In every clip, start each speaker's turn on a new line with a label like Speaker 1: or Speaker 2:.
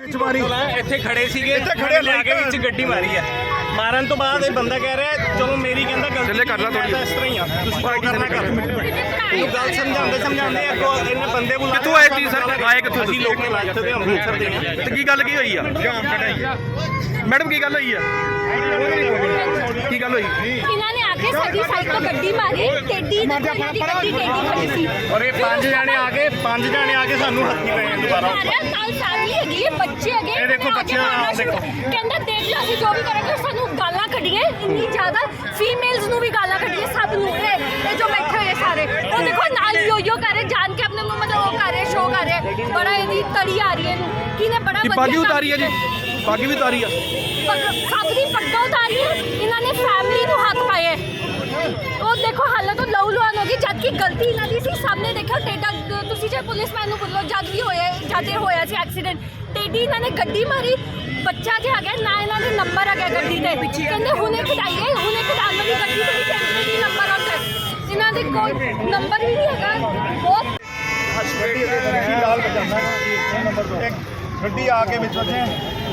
Speaker 1: ਇੱਥੇ ਖੜੇ ਸੀਗੇ, ਖੜੇ ਲੈ ਕੇ ਵਿੱਚ ਗੱਡੀ ਮਾਰੀ ਹੈ। ਮਾਰਨ ਤੋਂ ਬਾਅਦ ਇਹ ਬੰਦਾ ਕਹਿ ਰਿਹਾ ਚਲੋ ਮੇਰੀ ਕਹਿੰਦਾ ਗਲਤੀ ਕਰ ਲਾ ਥੋੜੀ, ਇਸ ਤਰ੍ਹਾਂ ਹੀ ਆ ਤੁਸੀਂ ਕੀ ਕਰਨਾ ਕਰ। ਇਹਨੂੰ ਗੱਲ ਸਮਝਾਉਂਦੇ ਅੱਗੋਂ ਇਹਨੇ ਬੰਦੇ ਬੁਲਾ
Speaker 2: ਕਿੱਥੋਂ ਆਏ ਤੁਸੀਂ ਸਰ? ਆਏ ਕਿੱਥੋਂ
Speaker 1: ਅਸੀਂ ਲੋਕ ਨੇ ਲਾਇਆ ਤੇ ਅੰਮ੍ਰਿਤਸਰ ਦੇ ਆ।
Speaker 2: ਤੇ ਕੀ ਗੱਲ ਕੀ ਹੋਈ ਆ ਮੈਡਮ? ਕੀ ਗੱਲ ਹੋਈ ਆ? ਕੀ ਗੱਲ ਹੋਈ?
Speaker 3: ਇਹਨਾਂ ਨੇ ਆ ਕੇ ਸਾਡੀ ਸਾਈਡ ਤੋਂ ਗੱਡੀ ਮਾਰੀ, ਟੇਡੀ ਇਹਨਾਂ ਦੀ ਗੱਡੀ ਖੜੀ ਸੀ
Speaker 1: ਔਰ ਇਹ ਪੰਜ ਜਾਣੇ ਆ ਕੇ ਸਾਨੂੰ ਹੱਥੀ ਪਏ ਦੁਬਾਰਾ।
Speaker 3: ਨਾਲ ਫੈਮਿਲੀ ਹੈਗੀ ਹੈ, ਬੱਚੇ ਹੈਗੇ,
Speaker 1: ਇਹ ਦੇਖੋ ਬੱਚੇ ਆ ਦੇਖੋ,
Speaker 3: ਕਹਿੰਦਾ ਦੇਖ ਲਓ ਅਸੀਂ ਜੋ ਵੀ ਕਰਾਂਗੇ ਸਾਨੂੰ ਗਾਲਾਂ ਕੱਢੀਏ, ਇੰਨੀ ਜ਼ਿਆਦਾ ਫੀਮੇਲਸ ਨੂੰ ਵੀ ਗਾਲਾਂ ਕੱਢੀਏ, ਸਭ ਨੂੰ। ਇਹ ਜੋ ਬੈਠੇ ਹੋਏ ਸਾਰੇ ਉਹ ਦੇਖੋ ਨਾਲ ਯੋ ਕਰ ਰਹੇ, ਜਾਣ ਕੇ ਆਪਣੇ ਨੂੰ ਮਤਲਬ ਉਹ ਕਰ ਰਹੇ, ਸ਼ੋਅ ਕਰ ਰਹੇ, ਬੜਾ ਇਹਦੀ ਤੜੀ ਆ ਰਹੀ ਹੈ ਇਹਨੂੰ। ਕਿਹਨੇ ਬੜਾ ਵਧੀਆ
Speaker 2: ਪੱਗ ਉਤਾਰੀ ਆ ਜੀ, ਪੱਗ ਵੀ ਉਤਾਰੀ ਆ,
Speaker 3: ਸਭ ਦੀ ਪੱਗਾਂ ਉਤਾਰੀ, ਇਹਨਾਂ ਨੇ ਫੈਮਿਲੀ ਨੂੰ ਹੱਥ ਪਾਏ। ਉਹ ਦੇਖੋ ਹਾਲਤ ਤਾਂ ਲਹੂ ਲੁਹਾਨ ਹੋ ਗਈ, ਜਦ ਕਿ ਗਲਤੀ ਇਹਨਾਂ ਦੀ ਸੀ। ਸਾਹਮਣੇ ਦੇਖਿਆ ਟੇਡਾ, ਤੁਸੀਂ ਜੇ ਪੁਲਿਸਮੈਨ ਨੂੰ ਬੋਲੋ ਜਦ ਵੀ ਹੋਇਆ ਸੀ ਐਕਸੀਡੈਂਟ, ਟੇਡੀ ਇਹਨਾਂ ਨੇ ਗੱਡੀ ਮਾਰੀ। ਬੱਚਾ ਜਿਹਾ ਹੈਗਾ ਨਾ, ਇਹਨਾਂ ਦੇ ਨੰਬਰ ਹੈਗਾ ਗੱਡੀ ਤੇ, ਕਹਿੰਦੇ ਹੁਣੇ ਕਢਾਈਏ, ਹੁਣੇ ਕਢਾਉਣ ਵਾਲੀ ਗੱਡੀ ਤੇ ਟੈਂਪਰੇਰੀ ਨੰਬਰ ਆਉਂਦਾ, ਇਹਨਾਂ ਦੇ ਕੋਲ ਨੰਬਰ ਵੀ ਨਹੀਂ ਹੈਗਾ। ਬਹੁਤ
Speaker 4: ਗੱਡੀ ਆ ਕੇ ਵਿੱਚ ਵੱਜੇ,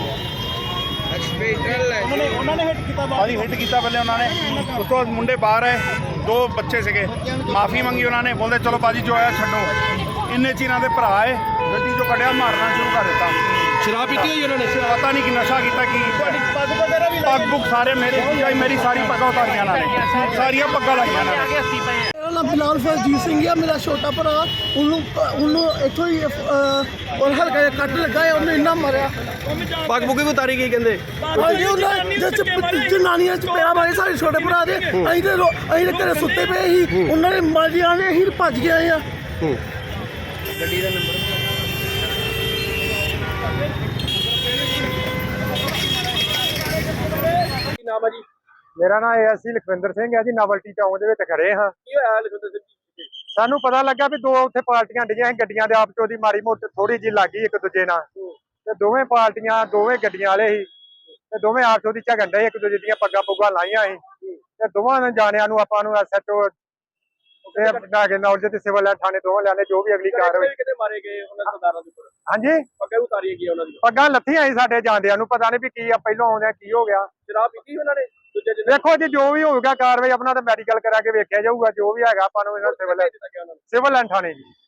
Speaker 4: ਉਹਨਾਂ ਨੇ ਹਿੱਟ ਕੀਤਾ ਪਹਿਲੇ ਉਹਨਾਂ ਨੇ। ਉਸ ਤੋਂ ਬਾਅਦ ਮੁੰਡੇ ਬਾਹਰ ਆਏ, ਦੋ ਬੱਚੇ ਸੀਗੇ, ਮਾਫੀ ਮੰਗੀ ਉਹਨਾਂ ਨੇ, ਬੋਲਦੇ ਚਲੋ ਬਾਜੀ ਜੋ ਆਇਆ ਛੱਡੋ। ਇੰਨੇ ਚ ਇਹਨਾਂ ਦੇ ਭਰਾ ਆਏ, ਗੱਡੀ ਚੋਂ ਕੱਢਿਆ, ਮਾਰਨਾ ਸ਼ੁਰੂ ਕਰ ਦਿੱਤਾ।
Speaker 2: ਸ਼ਰਾਬ ਪੀਤੀ ਹੋਈ ਉਹਨਾਂ ਨੇ?
Speaker 4: ਪਤਾ ਨਹੀਂ ਕਿ ਨਸ਼ਾ ਕੀਤਾ ਕੀ। ਪੱਗ ਪੁੱਗ ਸਾਰੇ ਮੇਰੀ ਸਾਰੀ ਪੱਗਾਂ ਉਤਾਰੀਆਂ ਇਹਨਾਂ ਨੇ, ਸਾਰੀਆਂ ਪੱਗਾਂ ਲਾਈਆਂ ਇਹਨਾਂ ਨੇ।
Speaker 5: ਮੇਰਾ ਨਾਮ ਬਿਲਾਲ ਫਰਜੀਤ ਸਿੰਘ ਆ, ਮੇਰਾ ਛੋਟਾ ਭਰਾ, ਉਹਨੂੰ ਇੱਥੋਂ ਹੀ ਔਰ ਹਲਕਾ ਜਿਹਾ ਕੱਟ ਲੱਗਾ ਹੈ, ਉਹਨੇ ਇੰਨਾ ਮਾਰਿਆ।
Speaker 2: ਪੱਗ ਪੁੱਗ ਵੀ ਉਤਾਰੀ ਗਈ ਕਹਿੰਦੇ?
Speaker 5: ਹਾਂਜੀ, ਉਹਨਾਂ ਜਨਾਨੀਆਂ ਚ ਪਿਆ ਮਾਰੇ ਸਾਡੇ ਛੋਟੇ ਭਰਾ ਦੇ। ਅਸੀਂ ਤੇ ਘਰੇ ਸੁੱਤੇ ਪਏ ਸੀ, ਉਹਨਾਂ ਨੇ ਮਾਰੀਆਂ ਨੇ, ਅਸੀਂ ਭੱਜ ਗਏ ਆ।
Speaker 2: ਗੱਡੀ ਦਾ ਨੰਬਰ ਕੀ ਨਾਮ ਹੈ ਜੀ?
Speaker 4: ਮੇਰਾ ਨਾਮ ਏਐਸਸੀ ਲਖਵਿੰਦਰ ਸਿੰਘ ਹੈ ਜੀ, ਨਵਲਟੀ ਚੌਂਕ ਦੇ ਵਿੱਚ ਖੜੇ ਹਾਂ।
Speaker 2: ਕੀ ਹੋਇਆ ਲਖਵਿੰਦਰ ਸਿੰਘ ਜੀ?
Speaker 4: ਸਾਨੂੰ ਪਤਾ ਲੱਗਾ ਵੀ ਦੋ ਉੱਥੇ ਪਾਰਟੀਆਂ ਡੀਆਂ ਸੀ, ਗੱਡੀਆਂ ਦੇ ਆਪਸ ਦੀ ਮਾੜੀ ਮੋਟੀ ਥੋੜੀ ਜਿਹੀ ਲੱਗੀ ਇੱਕ ਦੂਜੇ ਨਾਲ, ਤੇ ਦੋਵੇਂ ਪਾਰਟੀਆਂ ਦੋਵੇਂ ਗੱਡੀਆਂ ਵਾਲੇ ਸੀ, ਤੇ ਦੋਵੇਂ ਆਪਸ ਦੀ ਝਗੜਨ ਡਏ, ਇੱਕ ਦੂਜੇ ਦੀਆਂ ਪੱਗਾਂ ਪੁੱਗਾਂ ਲਾਈਆਂ ਸੀ। ਤੇ ਦੋਵਾਂ ਜਾਣਿਆਂ ਨੂੰ ਆਪਾਂ ਨੂੰ ਐਸਐਚਓ ਤੇ ਨੌਲੇਜ ਤੇ ਸਿਵਲ ਥਾਣੇ ਦੋਵਾਂ ਲਿਆਣੇ, ਜੋ ਵੀ ਅਗਲੀ ਕਾਰਵਾਈ।
Speaker 2: ਕਿਤੇ ਮਾਰੇ ਗਏ ਉਹਨਾਂ ਸਰਦਾਰਾਂ ਦੇ ਉੱਪਰ?
Speaker 4: ਹਾਂਜੀ,
Speaker 2: ਪੱਗਾਂ ਉਤਾਰੀਆਂ ਗਈਆਂ ਉਹਨਾਂ ਦੀ?
Speaker 4: ਪੱਗਾਂ ਲੱਥੀਆਂ ਸੀ ਸਾਡੇ ਜਾਂਦਿਆਂ ਨੂੰ, ਪਤਾ ਨਹੀਂ ਵੀ ਕੀ ਆ, ਪਹਿਲੋਂ ਆਉਂਦਿਆਂ ਕੀ ਹੋ ਗਿਆ।
Speaker 2: ਸ਼ਰਾਬ ਪੀਤੀ ਉਹਨਾਂ ਨੇ?
Speaker 4: ਦੇਖੋ ਜੀ ਜੋ ਵੀ ਹੋਊਗਾ ਕਾਰਵਾਈ ਆਪਣਾ ਤਾਂ ਮੈਡੀਕਲ ਕਰਾ ਕੇ ਵੇਖਿਆ ਜਾਊਗਾ, ਜੋ ਵੀ ਹੈਗਾ ਆਪਾਂ ਨੂੰ ਸਿਵਲ ਥਾਣੇ ਜੀ।